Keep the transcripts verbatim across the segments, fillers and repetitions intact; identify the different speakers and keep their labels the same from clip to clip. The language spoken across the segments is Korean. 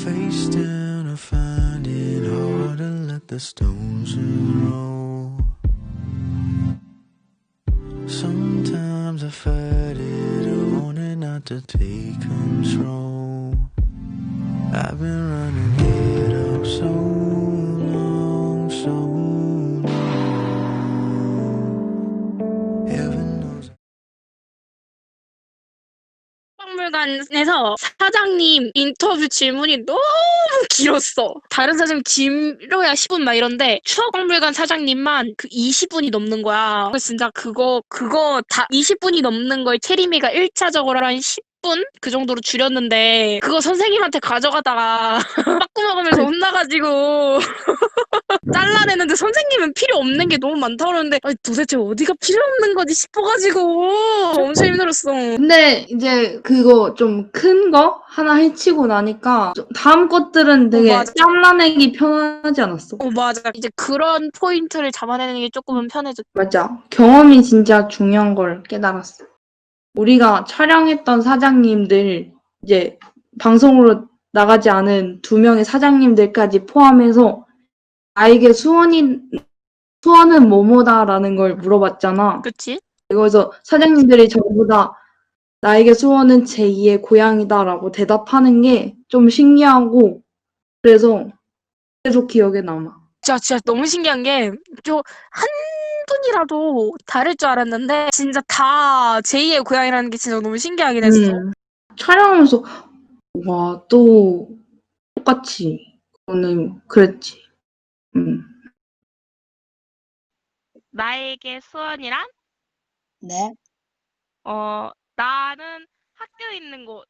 Speaker 1: face down, I find it hard to let the stones roll. Sometimes I fight it, wanting not to take control. I've been running it up so long, so long. Heaven knows.
Speaker 2: 박물관에서 사장님 인터뷰 질문이 너무 길었어. 다른 사장님 길어야 십 분 막 이런데 추억박물관 사장님만 그 이십 분이 넘는 거야. 그래서 진짜 그거 그거 다 이십 분이 넘는 걸 체리미가 일 차적으로 한 십 분 그 정도로 줄였는데 그거 선생님한테 가져가다가 빠꾸 먹으면서 혼나가지고 잘라내는데 선생님은 필요 없는 게 너무 많다고 그러는데 아니, 도대체 어디가 필요 없는 거지 싶어가지고 엄청 힘들었어.
Speaker 3: 근데 이제 그거 좀 큰 거 하나 해치고 나니까 좀 다음 것들은 되게
Speaker 2: 어, 맞아.
Speaker 3: 잘라내기 편하지 않았어?
Speaker 2: 어, 맞아. 이제 그런 포인트를 잡아내는 게 조금은 편해졌.
Speaker 3: 맞아. 경험이 진짜 중요한 걸 깨달았어. 우리가 촬영했던 사장님들 이제 방송으로 나가지 않은 두 명의 사장님들까지 포함해서 나에게 수원이 수원은 뭐뭐다라는 걸 물어봤잖아.
Speaker 2: 그치?
Speaker 3: 그래서 사장님들이 전부 다 나에게 수원은 제이의 고향이다라고 대답하는 게 좀 신기하고 그래서 계속 기억에 남아.
Speaker 2: 진짜, 진짜 너무 신기한 게, 저, 한 분이라도 다를 줄 알았는데, 진짜 다 제이의 고향이라는 게 진짜 너무 신기하긴 했어.
Speaker 3: 음, 촬영하면서 와, 또 똑같이 그거는 그랬지. 음.
Speaker 4: 나에게 수원이란?
Speaker 5: 네.
Speaker 4: 어, 나는 학교 있는 곳.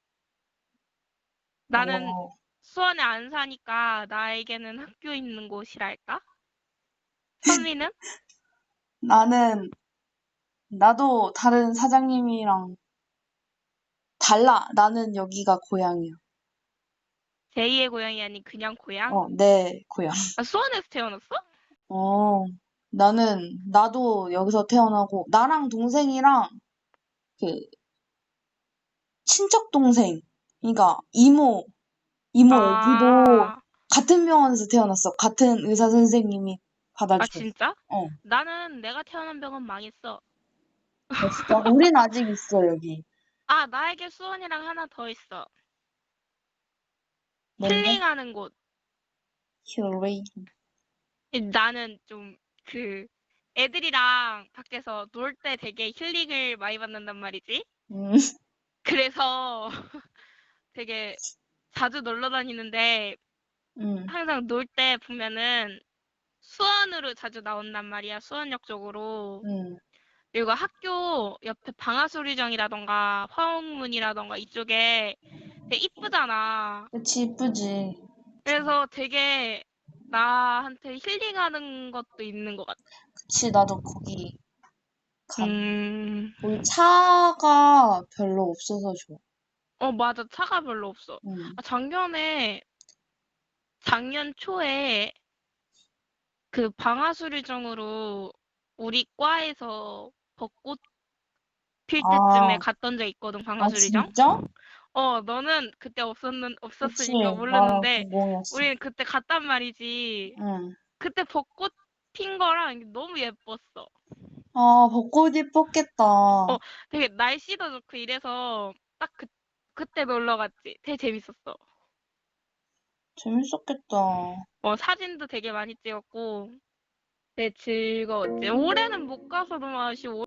Speaker 4: 나는
Speaker 5: 어,
Speaker 4: 수원에 안 사니까 나에게는 학교 있는 곳이랄까? 선미는?
Speaker 5: 나는, 나도 다른 사장님이랑 달라. 나는 여기가 고향이야.
Speaker 4: 제이의 고향이 아닌 그냥 고향?
Speaker 5: 어, 내 고향.
Speaker 4: 아, 수원에서 태어났어?
Speaker 5: 어, 나는, 나도 여기서 태어나고, 나랑 동생이랑, 그, 친척 동생, 그러니까 이모, 이모 애기도
Speaker 4: 아,
Speaker 5: 같은 병원에서 태어났어. 같은 의사 선생님이
Speaker 4: 아,
Speaker 5: 받아줘.
Speaker 4: 진짜?
Speaker 5: 어,
Speaker 4: 나는 내가 태어난 병원 망했어.
Speaker 5: 아, 진짜? 우린 아직 있어, 여기.
Speaker 4: 아, 나에게 수원이랑 하나 더 있어.
Speaker 5: 뭔데?
Speaker 4: 힐링하는 곳.
Speaker 5: 힐링.
Speaker 4: 나는 좀 그 애들이랑 밖에서 놀 때 되게 힐링을 많이 받는단 말이지.
Speaker 5: 음,
Speaker 4: 그래서 되게 자주 놀러 다니는데
Speaker 5: 음,
Speaker 4: 항상 놀 때 보면은 수원으로 자주 나온단 말이야. 수원역 쪽으로.
Speaker 5: 음.
Speaker 4: 그리고 학교 옆에 방아수리정이라던가 화옥문이라던가 이쪽에 되게 이쁘잖아.
Speaker 5: 그치, 이쁘지.
Speaker 4: 그래서 되게 나한테 힐링하는 것도 있는 것 같아.
Speaker 5: 그치, 나도 거기 가.
Speaker 4: 음,
Speaker 5: 우리 차가 별로 없어서 좋아.
Speaker 4: 어, 맞아. 차가 별로 없어.
Speaker 5: 응.
Speaker 4: 아, 작년에, 작년 초에 그 방아수리정으로 우리 과에서 벚꽃 필 때쯤에
Speaker 5: 아,
Speaker 4: 갔던 적 있거든,
Speaker 5: 아,
Speaker 4: 방아수리정?
Speaker 5: 진짜?
Speaker 4: 어, 너는 그때 없었는,
Speaker 5: 그치,
Speaker 4: 없었으니까
Speaker 5: 나랑
Speaker 4: 모르는데,
Speaker 5: 공공이었어.
Speaker 4: 우리는 그때 갔단 말이지.
Speaker 5: 응.
Speaker 4: 그때 벚꽃 핀 거랑 너무 예뻤어.
Speaker 5: 아, 벚꽃 예뻤겠다.
Speaker 4: 어, 되게 날씨도 좋고 이래서 딱 그, 그때 놀러 갔지. 되게 재밌었어.
Speaker 5: 재밌었겠다.
Speaker 4: 어, 사진도 되게 많이 찍었고, 되게 즐거웠지. 올해는 못 가서 너무 아쉬워.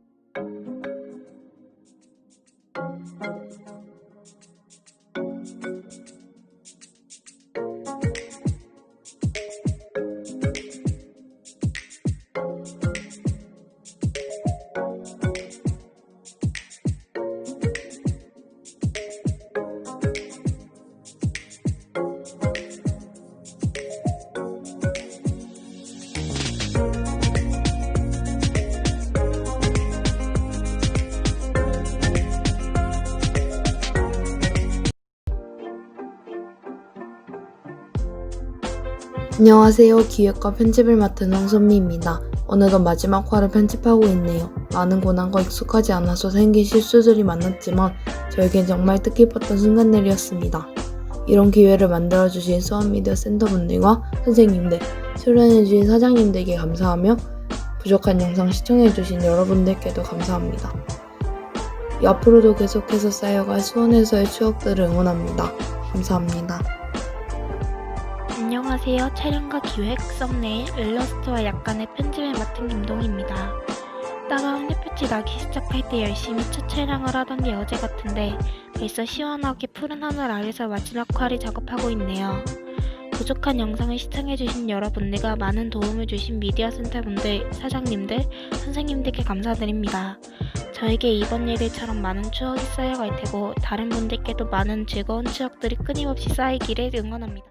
Speaker 6: 안녕하세요. 기획과 편집을 맡은 황선미입니다. 어느덧 마지막 화를 편집하고 있네요. 많은 고난과 익숙하지 않아서 생긴 실수들이 많았지만 저에겐 정말 뜻깊었던 순간들이었습니다. 이런 기회를 만들어주신 수원미디어 센터분들과 선생님들, 출연해주신 사장님들께 감사하며 부족한 영상 시청해주신 여러분들께도 감사합니다. 이 앞으로도 계속해서 쌓여갈 수원에서의 추억들을 응원합니다. 감사합니다.
Speaker 7: 안녕하세요. 촬영과 기획, 썸네일, 일러스트와 약간의 편집을 맡은 김동희입니다. 따가운 햇빛이 나기 시작할 때 열심히 첫 촬영을 하던 게 어제 같은데 벌써 시원하게 푸른 하늘 아래서 마지막 화를 작업하고 있네요. 부족한 영상을 시청해주신 여러분들과 많은 도움을 주신 미디어 센터분들, 사장님들, 선생님들께 감사드립니다. 저에게 이번 일들처럼 많은 추억이 쌓여갈 테고 다른 분들께도 많은 즐거운 추억들이 끊임없이 쌓이기를 응원합니다.